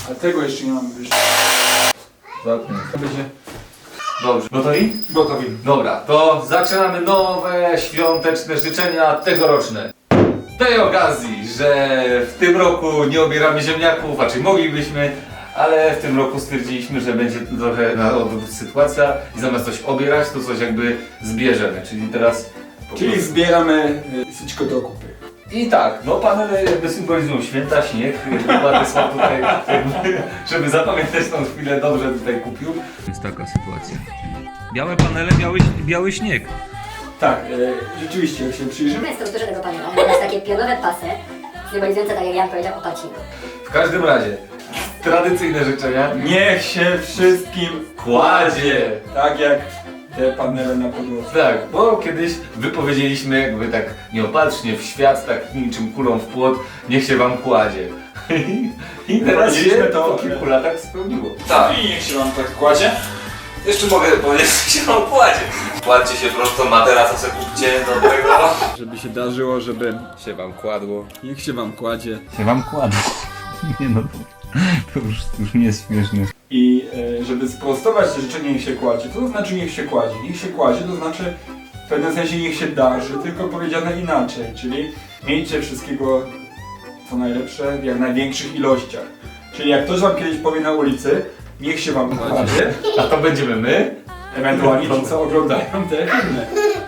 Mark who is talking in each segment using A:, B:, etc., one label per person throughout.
A: A tego jeszcze nie mamy wyżej. Będzie
B: Dobrze. Gotowi?
A: gotowi.
B: Dobra, to zaczynamy nowe świąteczne życzenia tegoroczne. Z tej okazji, że w tym roku nie obieramy ziemniaków, raczej moglibyśmy, ale w tym roku stwierdziliśmy, że będzie trochę na odwrót sytuacja i zamiast coś obierać, to coś jakby zbierzemy, czyli teraz...
A: Czyli zbieramy syćko do kupy.
B: I tak, no panele jakby symbolizują święta, śnieg, Władysław tutaj jakby, żeby zapamiętać tą chwilę, dobrze tutaj kupił. Jest taka sytuacja. Białe panele, biały śnieg.
A: Tak, rzeczywiście, jak się przyjrzymy.
C: W strukturze tego panela jest takie pionowe pasy, symbolizujące, tak jak Jan powiedział, opacino.
B: W każdym razie, tradycyjne życzenia.
A: Niech się wszystkim
B: Kładzie!
A: tak jak te panele na podłodze.
B: Tak, bo kiedyś wypowiedzieliśmy jakby tak nieopatrznie w świat, tak niczym kulą w płot, niech się wam kładzie. I teraz się
A: Wypowiedzieliśmy
B: to
A: to,
B: po kilku latach spełniło.
A: Tak. I niech się wam tak kładzie.
B: Jeszcze mogę powiedzieć, że się wam kładzie. Kładźcie się prosto, materaca sobie kupcie dobrego.
A: Żeby się darzyło, żeby
B: Się wam kładło.
A: niech się wam kładzie.
B: Się wam kładło. Nie no, to już nie jest śmieszne.
A: I żeby sprostować to życzenie niech się kładzie, to znaczy niech się kładzie. Niech się kładzie to znaczy w pewnym sensie niech się darzy, tylko powiedziane inaczej, czyli miejcie wszystkiego co najlepsze w jak największych ilościach. Czyli jak ktoś wam kiedyś powie na ulicy, niech się wam kładzie,
B: A to będziemy my?
A: ewentualnie ci co oglądają te filmy.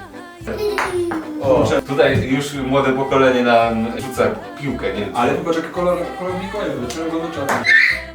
B: O, tutaj już młode pokolenie nam rzuca piłkę, nie?
A: Ale popatrz jaki kolor Mikołajowy, czerwono-czarny.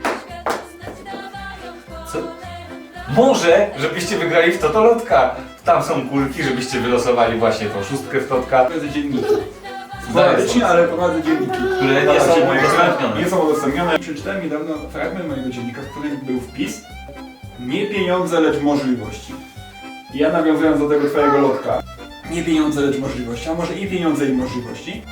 B: Co? Może, żebyście wygrali w Totolotka. Tam są kulki, żebyście wylosowali właśnie tą szóstkę w Totka.
A: Prowadzę dzienniki. Sporadycznie, ale prowadzę dzienniki.
B: Które nie są udostępnione.
A: Nie są udostępnione. Przeczytałem niedawno fragment mojego dziennika, w którym był wpis: nie pieniądze, lecz możliwości. I ja nawiązując do tego twojego lotka. Nie pieniądze, lecz możliwości, a może i pieniądze i możliwości.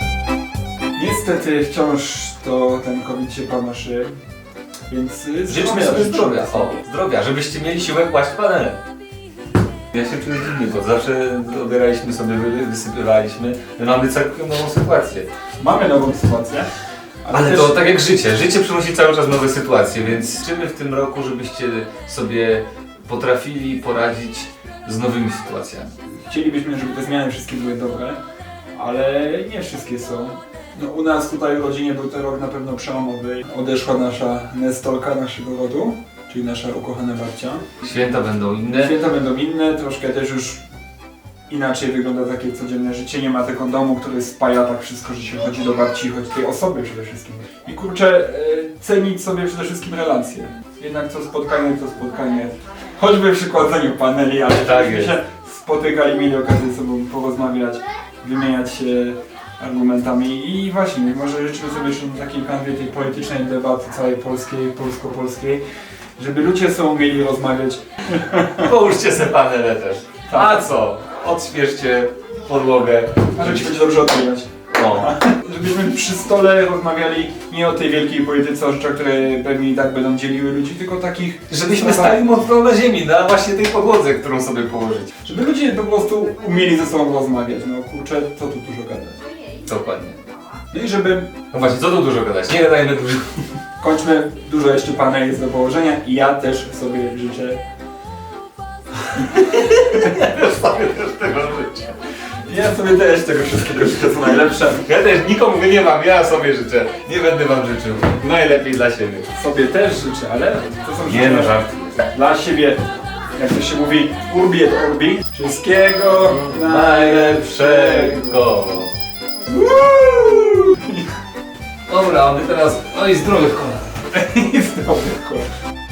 A: Niestety wciąż to ten COVID się panaszy, więc
B: Życzmy sobie zdrowia. O, zdrowia, żebyście mieli siłę kłaść panele. Ja się czuję dziwnie, bo zawsze obieraliśmy sobie, wysypywaliśmy. My mamy całkiem nową sytuację.
A: Mamy nową sytuację.
B: Ale
A: też
B: to tak jak życie. Życie przynosi cały czas nowe sytuacje, więc życzymy w tym roku, żebyście sobie potrafili poradzić z nowymi sytuacjami.
A: chcielibyśmy, żeby te zmiany wszystkie były dobre, ale nie wszystkie są. No, u nas tutaj w rodzinie był to rok na pewno przełomowy. Odeszła nasza Nestolka naszego rodu, czyli nasza ukochana babcia.
B: Święta będą inne.
A: Święta będą inne, troszkę też już inaczej wygląda takie codzienne życie. Nie ma tego domu, który spaja tak wszystko, że się chodzi do babci, chodzi tej osoby przede wszystkim. I kurczę, cenić sobie przede wszystkim relacje. Jednak co spotkanie to spotkanie. Choćby przy kładzeniu paneli, ale
B: Tak
A: żebyśmy
B: jest.
A: się spotykali, mieli okazję ze sobą porozmawiać, wymieniać się argumentami i właśnie, może życzymy sobie jeszcze na takiej kanwie tej politycznej debaty całej polskiej, polsko-polskiej, żeby ludzie ze sobą mieli rozmawiać.
B: Połóżcie se panele też.
A: Tak.
B: A co? Odświeżcie podłogę.
A: A żeby ci będzie dobrze odpowiadać.
B: O.
A: Żebyśmy przy stole rozmawiali nie o tej wielkiej polityce, o rzeczach, które pewnie i tak będą dzieliły ludzi, tylko takich...
B: Żebyśmy stali mocno na ziemi, na właśnie tej podłodze, którą sobie położyć.
A: Żeby ludzie po prostu umieli ze sobą rozmawiać. No kurczę, co tu dużo gadać.
B: Dokładnie.
A: No i żeby...
B: No właśnie, co tu dużo gadać? Nie gadajmy dużo.
A: Kończmy, dużo jeszcze paneli jest do położenia i ja też sobie życzę...
B: Ja sobie też tego życzę.
A: Ja sobie też tego wszystkiego życzę co najlepsze.
B: Ja też nikomu nie mam, ja sobie życzę. Nie będę wam życzył. Najlepiej dla siebie.
A: Sobie też życzę, ale to są
B: Nie no,
A: życzenia
B: żart.
A: dla siebie. Jak to się mówi, urbi et orbi. Wszystkiego
B: Najlepszego. Dobra, a my teraz... Oj, zdrowych kolan.
A: I zdrowych kolan.